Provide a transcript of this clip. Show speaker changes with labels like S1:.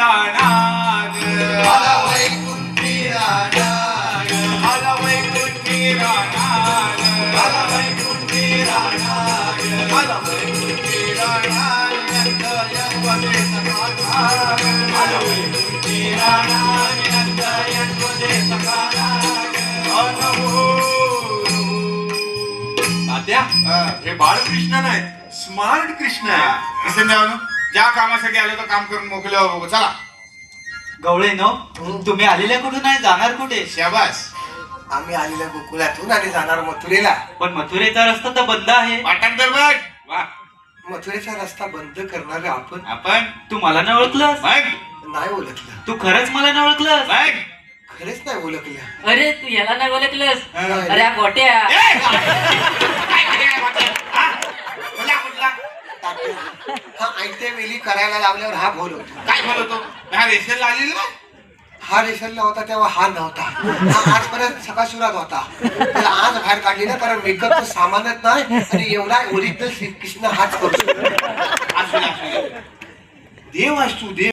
S1: राणा
S2: आला वैकुंठी राणा
S1: आला वैकुंठी राणा
S2: आला वैकुंठी राणा
S1: आला वैकुंठी राणा
S2: यंवदे सकाळा
S1: आला वैकुंठी राणा
S2: यंवदे सकाळा
S1: तात्या हे बाळकृष्ण नाही स्मार्ट कृष्ण आहे.
S3: असं नाही ना, ज्या कामासाठी आलो तर काम करून मोकले हो. चला
S4: गवळे नो तुम्ही आलेल्या कुठून आहे, जाणार कुठे?
S3: शाबास.
S2: आम्ही आलेल्या गोकुळातून आणि जाणार मथुरेला.
S4: पण मथुरेचा रस्ता तर बंद आहे.
S3: पाठांतर बघ. वा,
S2: मथुरेचा रस्ता बंद करणारे आपण
S3: आपण
S4: तू मला न ओळखलंस?
S3: बघ
S2: नाही ओळखलं.
S4: तू खरंच मला न ओळखलंस?
S3: बघ.
S2: खरेच नाही ओळखलं.
S5: अरे तू याला नाही ओळखलंस?
S2: नाही.
S5: अरे हा गोट्या
S3: ए! काय केलं वाटलं? हा? कुठला कुठला?
S2: हा ऐकते वेळी करायला लावल्यावर हा बोलवतो.
S3: काय बोलतो हा रेशनला आलेला ना?
S2: हा रेशनला होता तेव्हा हा नव्हता. हा आजपर्यंत सकाळशुरात होता. त्याला आज बाहेर काढली ना, कारण मेकअपचं सामानच नाही आणि एवढा ओरिजिनल श्रीकृष्ण हाच करतो.
S3: असू दे, असू दे. देव असतो देव.